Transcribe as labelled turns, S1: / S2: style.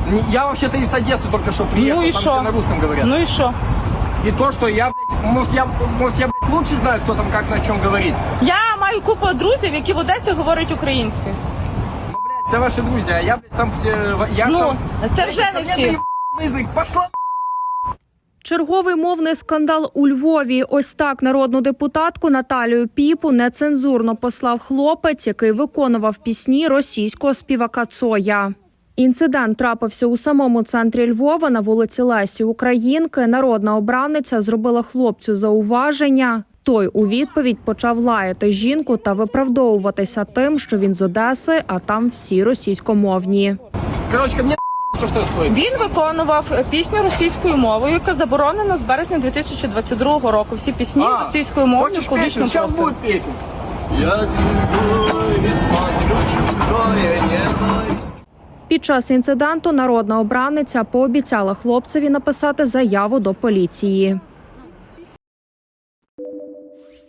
S1: Я вообще-то из Одессы только что приехал,
S2: Ну и
S1: там
S2: шо?
S1: все на русском говорят.
S2: Ну і що?
S1: И то, что я, блядь, может, я, блядь, лучше знаю, кто там как на чем говорит.
S2: Я маю купу друзів, які в Одесі говорять українською.
S1: Ну, блядь, це ваши друзья, а я, блядь, сам все... Я
S2: Ну,
S1: сам...
S2: це вже не всі.
S1: Язык, пошла!
S3: Черговий мовний скандал у Львові. Ось так народну депутатку Наталію Піпу нецензурно послав хлопець, який виконував пісні російського співака Цоя. Інцидент трапився у самому центрі Львова на вулиці Лесі Українки. Народна обраниця зробила хлопцю зауваження. Той у відповідь почав лаяти жінку та виправдовуватися тим, що він з Одеси, а там всі російськомовні.
S1: Короче, ко мне то, что это Цой.
S2: Він виконував пісню російською мовою, яка заборонена з березня 2022 року. Всі пісні російською мовою
S1: хочешь
S2: публічно
S1: песню? Сейчас
S2: просто.
S1: будет песня.
S4: Я сижу и смотрю чужое небо.
S3: Під час інциденту народна обраниця пообіцяла хлопцеві написати заяву до поліції.